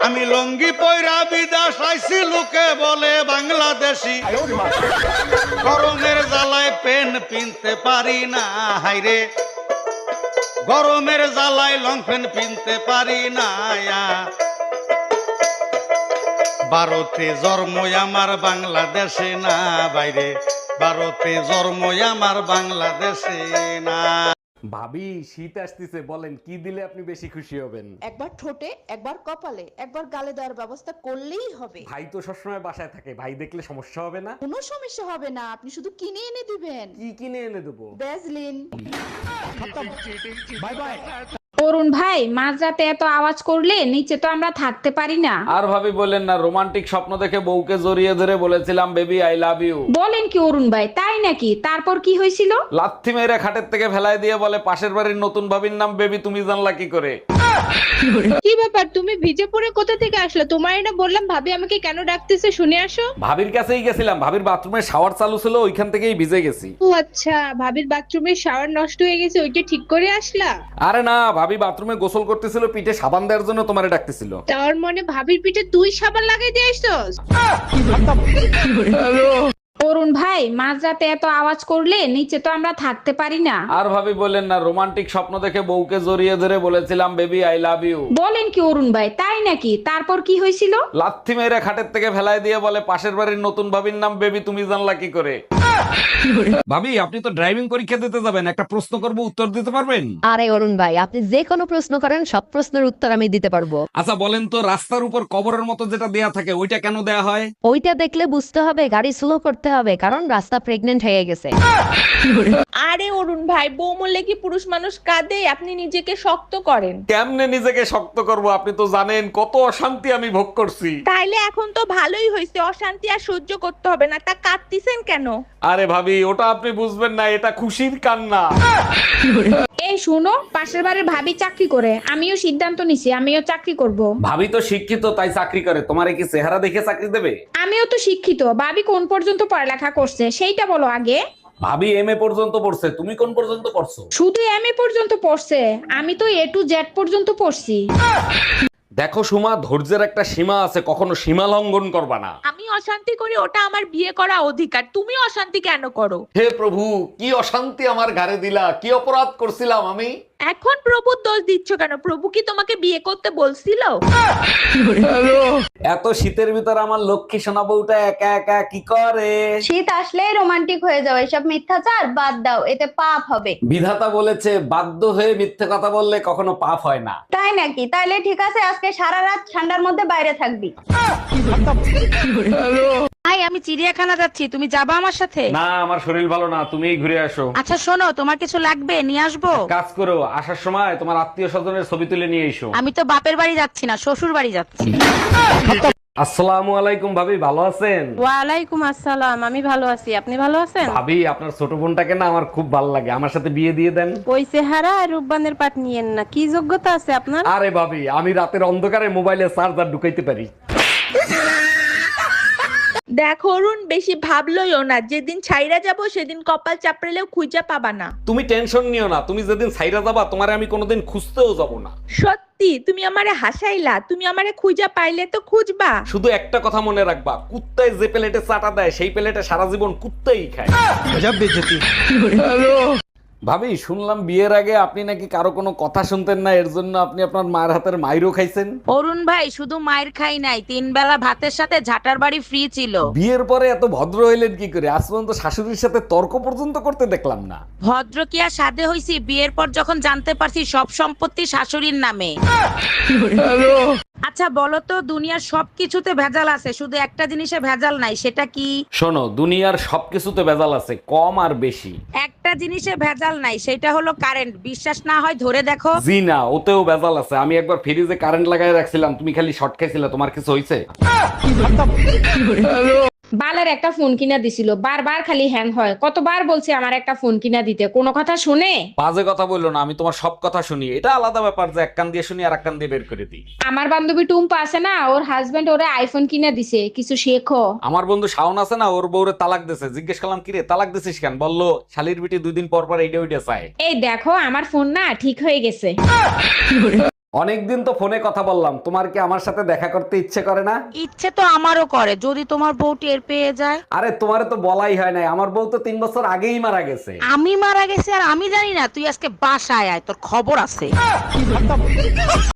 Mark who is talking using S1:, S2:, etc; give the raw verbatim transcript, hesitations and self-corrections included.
S1: আমি লঙ্গি পয়রা বিদেশ আইছি, লোকে বলে বাংলাদেশি। গরমের জ্বালায় পেন পিনতে পারি না, হাইরে গরমের জ্বালায় লং পেন পিনতে পারি না। ভারতে জন্মই আমার বাংলাদেশে না, বাইরে ভারতে জন্মই আমার বাংলাদেশে না।
S2: ভাবি শীত আসতেছে, বলেন কি দিলে আপনি বেশি খুশি হবেন?
S3: একবার ঠোঁটে, একবার কপালে, একবার গালে দেওয়ার ব্যবস্থা করলেই হবে।
S2: ভাই তো সবসময় বাসায় থাকে, ভাই দেখলে সমস্যা হবে না?
S3: কোনো সমস্যা হবে না, আপনি শুধু কিনে এনে দিবেন।
S2: কি কিনে এনে দেবো?
S3: ভ্যাসলিন।
S2: Bye bye.
S4: অরুণ ভাই, মাঝরাতে এত আওয়াজ করলে নিচে তো আমরা থাকতে পারি না।
S2: আর ভাবি বলেন না, রোমান্টিক স্বপ্ন দেখে বউকে জড়িয়ে ধরে বলেছিলাম বেবি আই লাভ ইউ।
S4: বলেন কি অরুণ ভাই, তাই নাকি? তারপর কি হয়েছিল?
S2: লাথি মেরে খাটের থেকে ফেলায় দিয়ে বলে পাশের বাড়ির নতুন ভাবির নাম বেবি, তুমি জানলা কি করে?
S5: কি ব্যাপার, তুমি ভিজে পড়ে কোথা থেকে আসলে? তোমার না বললাম ভাবি আমাকে কেন ডাকতেছে, শুনে আসো।
S2: ভাবির কাছেই গেছিলাম, ভাবির বাথরুমে শাওয়ার চালু ছিল, ওইখান থেকেই ভিজে গেছি।
S5: ও আচ্ছা, ভাবির বাথরুমের শাওয়ার নষ্ট হয়ে গেছে, ওইটা ঠিক করে আসলা?
S2: আরে না, ভাবি বাথরুমে গোসল করতেছিল, পিঠে সাবান দেওয়ার জন্য তোমারে ডাকতেছিল।
S5: তার মানে ভাবির পিঠে তুই সাবান লাগাই দিয়ে আসছস?
S4: অরুণ ভাই, মাঝরাতে এত আওয়াজ করলে নিচে তো আমরা থাকতে পারি না।
S2: আর ভাবি বলেন না, রোমান্টিক স্বপ্ন দেখে বউকে জড়িয়ে ধরে বলেছিলাম বেবি আই লাভ ইউ।
S4: বলেন কি অরুণ ভাই, তাই নাকি? তারপর কি হয়েছিল?
S2: লাথি মেরে খাটের থেকে ফেলায় দিয়ে বলে পাশের বাড়ির নতুন ভাবির নাম বেবি, তুমি জানলা কি করে? ভাবি আপনি তো ড্রাইভিং পরীক্ষা দিতে যাবেন, একটা প্রশ্ন করব, উত্তর দিতে পারবেন?
S6: আরে অরুণ ভাই, আপনি যে কোনো প্রশ্ন করেন, সব প্রশ্নের উত্তর আমি দিতে পারবো।
S2: আচ্ছা বলেন তো, রাস্তার উপর কবরের মতো যেটা দেয়া থাকে ওইটা কেন দেয়া হয়?
S6: ওইটা দেখলে বুঝতে হবে গাড়ি স্লো করতে হবে, কারণ রাস্তা প্রেগনেন্ট হয়ে গেছে।
S5: আরে অরুণ ভাই, বউ মরলে কি পুরুষ মানুষ কাঁদে? আপনি নিজেকে শক্ত করেন।
S2: কেমনে নিজেকে শক্ত করব? আপনি তো জানেন কত অশান্তি আমি ভোগ করছি।
S5: তাইলে এখন তো ভালোই হয়েছে, অশান্তি আর সহ্য করতে হবে না, তা কাঁদতিছেন কেন?
S2: আরে ভাবি, ওটা আপনি বুঝবেন না, এটা খুশির কান্না।
S4: এই শুনো, পাশের বাড়ির ভাবি চাকরি করে, আমিও সিদ্ধান্ত নিছি আমিও চাকরি করব।
S2: ভাবি তো শিক্ষিত, তাই চাকরি করে, তোমারে কি চেহারা দেখে চাকরি দেবে?
S4: আমিও তো শিক্ষিত, ভাবি কোন পর্যন্ত পড়ালেখা করছে সেইটা বলো আগে।
S2: ভাবি এম এ পর্যন্ত পড়ছে, তুমি কোন পর্যন্ত পড়ছো?
S4: শুধু এম এ পর্যন্ত পড়ছে, আমি তো এ টু জেড পর্যন্ত পড়ছি।
S2: দেখো সুমা, ধৈর্যের একটা সীমা আছে, কখনো সীমা লঙ্ঘন করবা না।
S5: আমি অশান্তি করি, ওটা আমার বিয়ে করা অধিকার, তুমি অশান্তি কেন করো?
S2: হে প্রভু, কি অশান্তি আমার ঘাড়ে দিলা, কি অপরাধ করছিলাম আমি?
S5: এখন প্রভুর দোষ দিচ্ছ কেন? প্রভু কি তোমাকে বিয়ে করতে বলছিল?
S2: এত শীতের ভিতর আমার লক্ষ্মী সোনা বউটা একা একা কি করে?
S7: শীত আসলেই রোমান্টিক হয়ে যাও, এসব মিথ্যাচার বাদ দাও, এতে পাপ হবে।
S2: বিধাতা বলেছে বাধ্য হয়ে মিথ্যে কথা বললে কখনো পাপ হয় না।
S7: তাই নাকি? তাইলে ঠিক আছে, আজকে সারা রাত ঠান্ডার মধ্যে বাইরে থাকবি।
S8: ভাই, আমি চিড়িয়াখানা যাচ্ছি, তুমি যাবা আমার সাথে?
S2: না, আমার শরীর ভালো না, তুমিই ঘুরে আসো।
S8: আচ্ছা শোনো, তোমার কিছু লাগবে নিয়ে আসবো?
S2: কাজ করো, আসার সময় তোমার আত্মীয় স্বজনের ছবি তুলে নিয়ে এসো।
S8: আমি তো বাপের বাড়ি যাচ্ছি না, শ্বশুর বাড়ি যাচ্ছি।
S2: আসসালামু আলাইকুম ভাবি, ভালো আছেন?
S8: ওয়ালাইকুম আসসালাম, আমি ভালো আছি, আপনি ভালো আছেন?
S2: ভাবি আপনার ছোট বোনটাকে না আমার খুব ভালো লাগে, আমার সাথে বিয়ে দিয়ে দেন।
S8: ওই চেহারা আর রূপবানের পাট নিয়েন না, কি যোগ্যতা আছে আপনার?
S2: আরে ভাবি, আমি রাতের অন্ধকারে মোবাইলে চার্জার ঢুকাইতে পারি।
S5: দেখো অরুণ, বেশি ভাবলইও না, যেদিন ছাইরা যাব সেদিন কপাল চাপড়েলেও খুঁজে পাবা না।
S2: তুমি টেনশন নিও না, তুমি যেদিন সাইরা যাবা তোমারে আমি কোনোদিন খুঁজতেও যাব না।
S5: সত্যি? তুমি আমারে হাসাইলা, তুমি আমারে খুঁজা পাইলে তো খুঁজবা।
S2: শুধু একটা কথা মনে রাখবা, কুত্তায় যে প্লেটে চাটা দেয় সেই প্লেটে সারা জীবন কুত্তাই খায়। ভাবি শুনলাম বিয়ের আগে আপনি নাকি কারো কোনো কথা শুনতেন না, এর জন্য আপনি আপনার মায়ের হাতের মাইরও খাইছেন।
S8: অরুণ ভাই, শুধু মায়ের খাই নাই, তিন বেলা ভাতের সাথে ঝাটার বাড়ি ফ্রি ছিল।
S2: বিয়ের পরে এত ভদ্র হইলেন কি করে? আজ পর্যন্ত শাশুড়ির সাথে তর্ক পর্যন্ত করতে দেখলাম না।
S8: ভদ্র কি আর সাধে হইছি, বিয়ের পর যখন জানতে পারছি সব সম্পত্তি শাশুড়ির নামে। আচ্ছা বলো তো, দুনিয়ার সবকিছুতে ভেজাল আছে, শুধু একটা জিনিসে ভেজাল নাই, সেটা কি?
S2: শোনো, দুনিয়ার সবকিছুতে ভেজাল আছে, কম আর বেশি।
S8: একটা জিনিসে ভেজাল নাই, সেটা হলো কারেন্ট। বিশ্বাস না হয় ধরে দেখো।
S2: জি না, ওতেও ভেজাল আছে। আমি একবার ফ্রিজে কারেন্ট লাগাই রাখছিলাম, তুমি খালি শর্ট খাইছিলে, তোমার কিছু হইছে?
S4: বালের একটা ফোন কিনা দিছিল, বারবার খালি হ্যাং হয়। কতবার বলছি আমার একটা ফোন কিনা দিতে, কোনো কথা শুনে?
S2: বাজে কথা বললো না, আমি তোমার সব কথা শুনি। এটা আলাদা ব্যাপার যে এক কান দিয়ে শুনি আর এক কান দিয়ে বের করে দিই।
S4: আমার বান্ধবী টুম্পা আছে না, ওর হাজবেন্ড ওরে আইফোন কিনা দিছে, কিছু শেখো।
S2: আমার বন্ধু শাওন আছে না, ওর বউরে তালাক দিছে। জিজ্ঞেস করলাম কিরে তালাক দিছিস কেন? বললো শালির বিটি দুই দিন পর পর এইটা ওইটা চায়।
S4: এই দেখো, আমার ফোন না ঠিক হয়ে গেছে।
S2: অনেকদিন তো ফোনে কথা বললাম, তোমার কি আমার সাথে দেখা করতে ইচ্ছে করে না?
S8: ইচ্ছে তো আমারও করে, যদি তোমার বউ টের পেয়ে যায়।
S2: আরে তোমারে তো বলাই হয় নাই, আমার বউ তো তিন বছর আগেই মারা গেছে।
S8: আমি মারা গেছি আর আমি জানি না? তুই আজকে বাসায় আয়, তোর খবর আছে।